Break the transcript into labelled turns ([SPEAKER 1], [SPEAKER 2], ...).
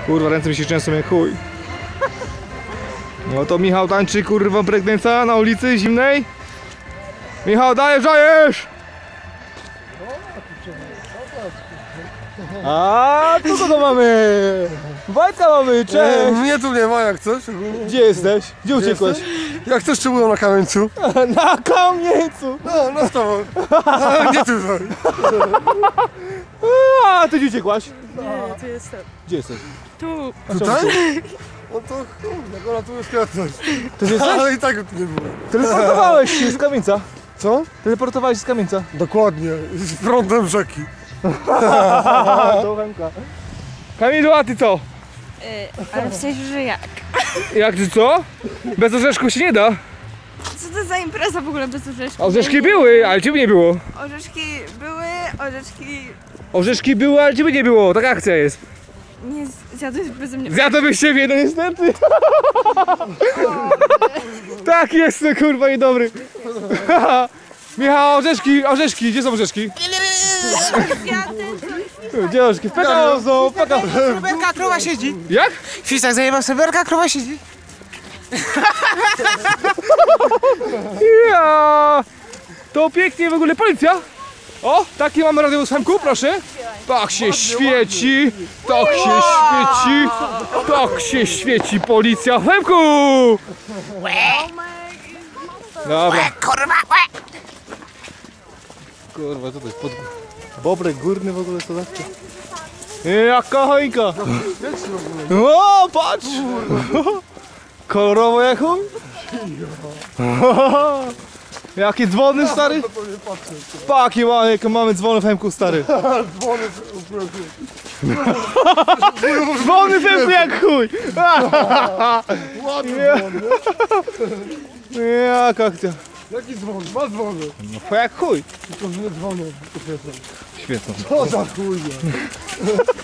[SPEAKER 1] Kurwa, ręce mi się często jak chuj. No to Michał tańczy, kurwa, pregnęca na ulicy zimnej. Michał, dajesz! A tu kogo mamy? Wojtka mamy, cześć!
[SPEAKER 2] Mnie tu nie ma jak coś.
[SPEAKER 1] Gdzie jesteś? Gdzie uciekłeś?
[SPEAKER 2] Jak coś czy było na kamieńcu?
[SPEAKER 1] Na kamieńcu!
[SPEAKER 2] No z tobą. Ale nie tutaj.
[SPEAKER 1] A ty gdzie uciekłaś?
[SPEAKER 3] Nie, tu jestem.
[SPEAKER 1] Gdzie jesteś?
[SPEAKER 3] Tu.
[SPEAKER 2] Tutaj? No to jak ona tu jest kwiatność.
[SPEAKER 1] Ty jesteś?
[SPEAKER 2] Ale i tak tu nie było.
[SPEAKER 1] Teleportowałeś się z kamieńca.
[SPEAKER 2] Co?
[SPEAKER 1] Teleportowałeś się z kamieńca.
[SPEAKER 2] Dokładnie. Z prądem rzeki.
[SPEAKER 1] To Chemka. Kamilu, a ty co?
[SPEAKER 3] Ale w sensie, że jak?
[SPEAKER 1] Jak ty co? Bez orzeszków się nie da.
[SPEAKER 3] Co to za impreza w ogóle bez orzeszków?
[SPEAKER 1] Orzeszki były, ale ciebie nie było.
[SPEAKER 3] Orzeszki były, orzeszki
[SPEAKER 1] Orzeszki były, ale ciebie nie było. Taka akcja jest.
[SPEAKER 3] nie zjadłeś beze mnie.
[SPEAKER 1] Zjadłbyś siebie, no niestety. Tak jest, no kurwa, niedobry. Michał, orzeszki, gdzie są orzeszki? Gdzie orzeszki? W PKO są, PKO.
[SPEAKER 4] Sreberka, krowa siedzi.
[SPEAKER 1] Jak?
[SPEAKER 4] Fistak zajebał sreberka, krowa siedzi.
[SPEAKER 1] Ja! To pięknie w ogóle, policja! O, taki mamy radiowóz Chemku, proszę. Tak się świeci, tak się świeci, tak się świeci policja w Chemku! Dobra. Kurwa, co to jest? Bobrek górny w ogóle, co zawsze? Jaka choinka! O, patrz! Kolorowo jak chuj? Jakie dzwony, stary? Paki mamy dzwony w Chemku, stary. Dzwony w Chemku jak chuj!
[SPEAKER 2] Ładny dzwon, nie?
[SPEAKER 1] Jaka akcja?
[SPEAKER 2] Jaki dzwon? Dwa dzwony.
[SPEAKER 1] No jak chuj.
[SPEAKER 2] Tylko że nie dzwonią.
[SPEAKER 1] Świetno.
[SPEAKER 2] Co za chuj.